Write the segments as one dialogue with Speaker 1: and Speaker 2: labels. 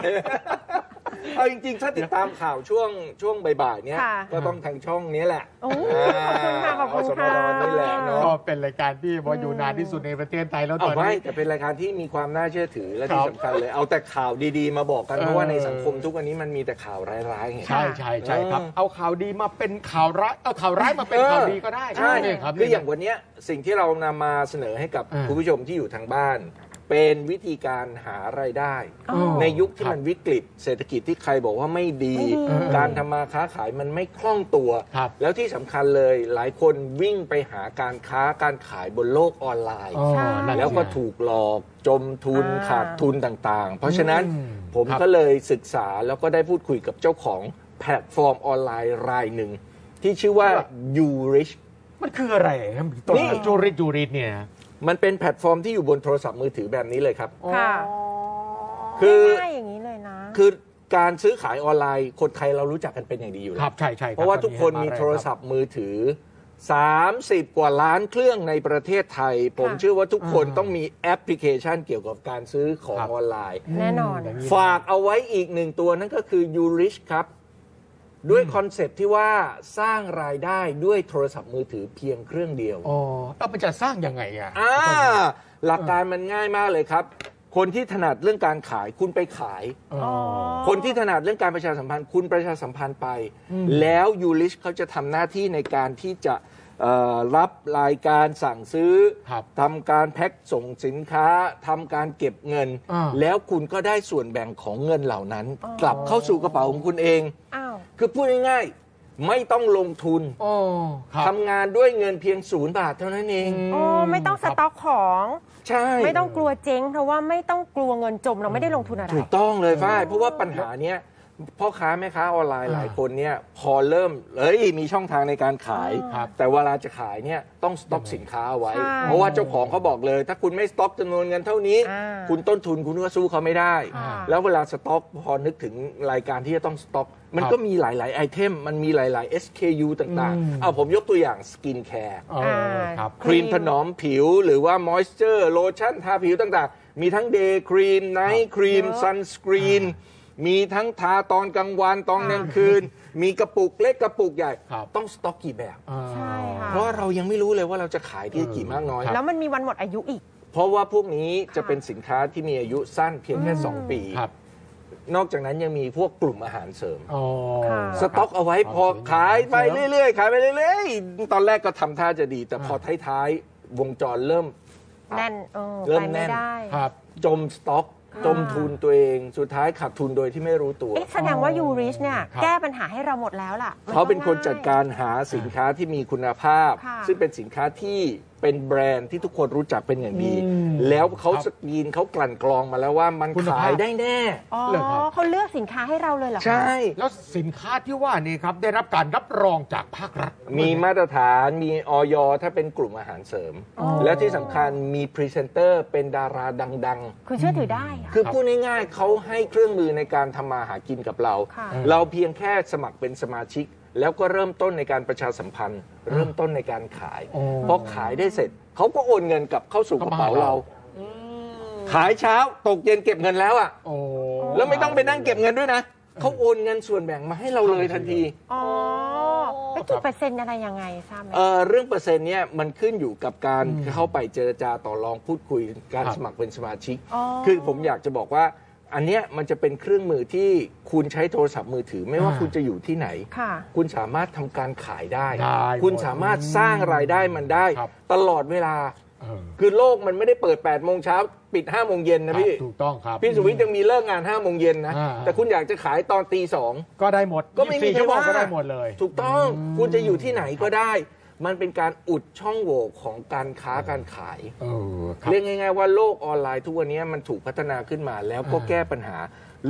Speaker 1: เอาจริงๆถ้าติดตามข่าวช่วงบ่ายๆเนี้ยก็ต้องทางช่องนี้แหละ
Speaker 2: ขอบคุณค่ะขอบคุณค่ะ
Speaker 1: นี่แหละเนาะ
Speaker 3: ก็เป็นรายการที่ว่าอยู่นานที่สุดในประเทศไทยแล้วตอนนี้
Speaker 1: แต่เป็นรายการที่มีความน่าเชื่อถือและที่สำคัญเลยเอาแต่ข่าวดีๆมาบอกกันเพราะว่าในสังคมทุกวันนี้มันมีแต่ข่าวร้ายๆไง
Speaker 3: ใช่ครับเอาข่าวดีมาเป็นข่าวร้ายเอาข่าวร้ายมาเป็นข่าวดีก็ได้
Speaker 1: ใช่
Speaker 3: ครับ
Speaker 1: คืออย่างวันนี้สิ่งที่เรานำมาเสนอให้กับคุณผู้ชมที่อยู่ทางบ้านเป็นวิธีการหารายได้ในยุคที่มันวิกฤตเศรษฐกิจที่ใครบอกว่าไม่ดีการทำมาค้าขายมันไม่คล่องตัวแล้วที่สำคัญเลยหลายคนวิ่งไปหาการค้าการขายบนโลกออนไลน์แล้วก็ถูกหลอกจมทุนขาดทุนต่างๆเพราะฉะนั้นผมก็เลยศึกษาแล้วก็ได้พูดคุยกับเจ้าของแพลตฟอร์มออนไลน์รายหนึ่งที่ชื่อว่า YouRich
Speaker 3: มันคืออะไรครับนี่จูริตเนี่ย
Speaker 1: มันเป็นแพลตฟอร์มที่อยู่บนโทรศัพท์มือถือแบบนี้เลยครับ
Speaker 2: ค่ะ
Speaker 1: คือ
Speaker 2: ง่ายอย่างนี้เลยนะ
Speaker 1: คือการซื้อขายออนไลน์คนไทยเรารู้จักกันเป็นอย่างดีอยู่แล้ว
Speaker 3: ครับใช่
Speaker 1: เพราะว่าทุกคนมีโทรศัพท์มือถือ30 กว่าล้านเครื่องในประเทศไทยผมเชื่อว่าทุกคนต้องมีแอปพลิเคชันเกี่ยวกับการซื้อของออนไลน์
Speaker 2: แน่นอน
Speaker 1: ฝากเอาไว้อีกหนึ่งตัวนั่นก็คือ YouRich ครับด้วยคอนเซปต์ที่ว่าสร้างรายได้ด้วยโทรศัพท์มือถือเพียงเครื่องเดียว
Speaker 3: แล้วมันจะสร้างยังไง
Speaker 1: หลักการมันง่ายมากเลยครับคนที่ถนัดเรื่องการขายคุณไปขายคนที่ถนัดเรื่องการประชาสัมพันธ์คุณประชาสัมพันธ์ไปแล้วYouRichเขาจะทำหน้าที่ในการที่จะรับรายการสั่งซื้อทำการแพ็คส่งสินค้าทำการเก็บเงินแล้วคุณก็ได้ส่วนแบ่งของเงินเหล่านั้นกลับเข้าสู่กระเป๋าของคุณเองคือพูดง่ายๆไม่ต้องลงทุนทำงานด้วยเงินเพียง0 บาทเท่านั้นเอง
Speaker 2: ไม่ต้องสต็อกของ
Speaker 1: ใช่
Speaker 2: ไม่ต้องกลัวเจ๊งเพราะว่าไม่ต้องกลัวเงินจมเราไม่ได้ลงทุนอะไร
Speaker 1: ถูกต้องเลยฝ้ายเพราะว่าปัญหาเนี้ยพ่อค้าแม่ค้าออนไลน์หลายคนเนี่ยพอเริ่มมีช่องทางในการขายแต่เวลาจะขายเนี่ยต้องสต็อกสินค้าเอาไว้เพราะว่าเจ้าของเขาบอกเลยถ้าคุณไม่สต็อกจำนวนเงินเท่านี้คุณต้นทุนคุณก็สู้เขาไม่ได้แล้วเวลาสต็อกพอนึกถึงรายการที่จะต้องสต็อกมันก็มีหลายๆไอเทมมันมีหลายๆ SKU ต่างๆเอาผมยกตัวอย่างสกินแคร์ครีมถนอมผิวหรือว่ามอยส์เจอร์โลชั่นทาผิวต่างๆมีทั้งเดย์ครีมไนท์ครีมซันสกรีนมีทั้งทาตอนกลางวันตอนกลางคืนมีกระปุกเล็กกระปุกใหญ่ต้องสต็อกกี่แบบ
Speaker 2: ใช่ค่ะ
Speaker 1: เพราะเรายังไม่รู้เลยว่าเราจะขายที่กี่มากน้อย
Speaker 2: แล้วมันมีวันหมดอายุอีก
Speaker 1: เพราะว่าพวกนี้จะเป็นสินค้าที่มีอายุสั้นเพียงแค่2 ปีนอกจากนั้นยังมีพวกกลุ่มอาหารเสริมสต็อกเอาไว้พอขายไปเรื่อยๆขายไปเรื่อยๆตอนแรกก็ทำท่าจะดีแต่พอท้ายๆวงจรเริ่ม
Speaker 2: แน่น
Speaker 1: เริ่มแน่นจมสต็อกจมทุนตัวเองสุดท้ายขาดทุนโดยที่ไม่รู้ตัว
Speaker 2: แสดงว่า YouRich เนี่ยแก้ปัญหาให้เราหมดแล้วล่ะ
Speaker 1: เขาเป็นคนจัดการหาสินค้าที่มีคุณภาพซึ่งเป็นสินค้าที่เป็นแบรนด์ที่ทุกคนรู้จักเป็นอย่างดีแล้วเขาสกรีนเขากลั่นกรองมาแล้วว่ามันขายได้แน่
Speaker 2: เขาเลือกสินค้าให้เราเลยเหรอ
Speaker 1: ใช่
Speaker 3: แล้วสินค้าที่ว่านี่ครับได้รับการรับรองจากภาครัฐ
Speaker 1: มีมาตรฐานมีอย.ถ้าเป็นกลุ่มอาหารเสริมแล้วที่สำคัญมีพรีเซนเตอร์เป็นดาราดัง
Speaker 2: ๆคือเชื่อถือได้
Speaker 1: คือพูดง่ายๆเขาให้เครื่องมือในการทำมาหากินกับเราเราเพียงแค่สมัครเป็นสมาชิกแล้วก็เริ่มต้นในการประชาสัมพันธ์เริ่มต้นในการขายพอขายได้เสร็จเขาก็โอนเงินกลับเข้าสู่กระเป๋าเราขายเช้าตกเย็นเก็บเงินแล้วแล้วไม่ต้องไปนั่งเก็บเงินด้วยนะเขาโอนเงินส่วนแบ่งมาให้เราเลยทันที
Speaker 2: แล้วกี่เปอร์เซ็นต์อะไรยังไงทราบไหม
Speaker 1: เรื่องเปอร์เซ็นต์เนี่ยมันขึ้นอยู่กับการเข้าไปเจรจาต่อรองพูดคุยการสมัครเป็นสมาชิกคือผมอยากจะบอกว่าอันเนี้ยมันจะเป็นเครื่องมือที่คุณใช้โทรศัพท์มือถือไม่ว่าคุณจะอยู่ที่ไหนคุณสามารถทำการขายได้คุณสามารถสร้างรายได้มันได้ตลอดเวลาคือโลกมันไม่ได้เปิด8 โมงเช้าปิด5 โมงเย็นนะพี่
Speaker 3: ถูกต้องครับ
Speaker 1: พี่สุวิทย์ยังมีเลิกงาน5 โมงเย็นนะแต่คุณอยากจะขายตอนตี 2
Speaker 3: ก็ได้หมด
Speaker 1: ก็ไม่มี
Speaker 3: ใครว่าก็ได้หมดเลย
Speaker 1: ถูกต้องคุณจะอยู่ที่ไหนก็ได้มันเป็นการอุดช่องโหว่ของการค้าการขายเรียกง่ายๆว่าโลกออนไลน์ทุกวันนี้มันถูกพัฒนาขึ้นมาแล้วก็แก้ปัญหา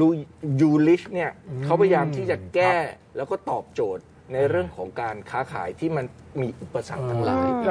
Speaker 1: YouRichเนี่ยเขาพยายามที่จะแก้แล้วก็ตอบโจทย์ในเรื่องของการค้าขายที่มันมีอุปสรรคทั้งหลาย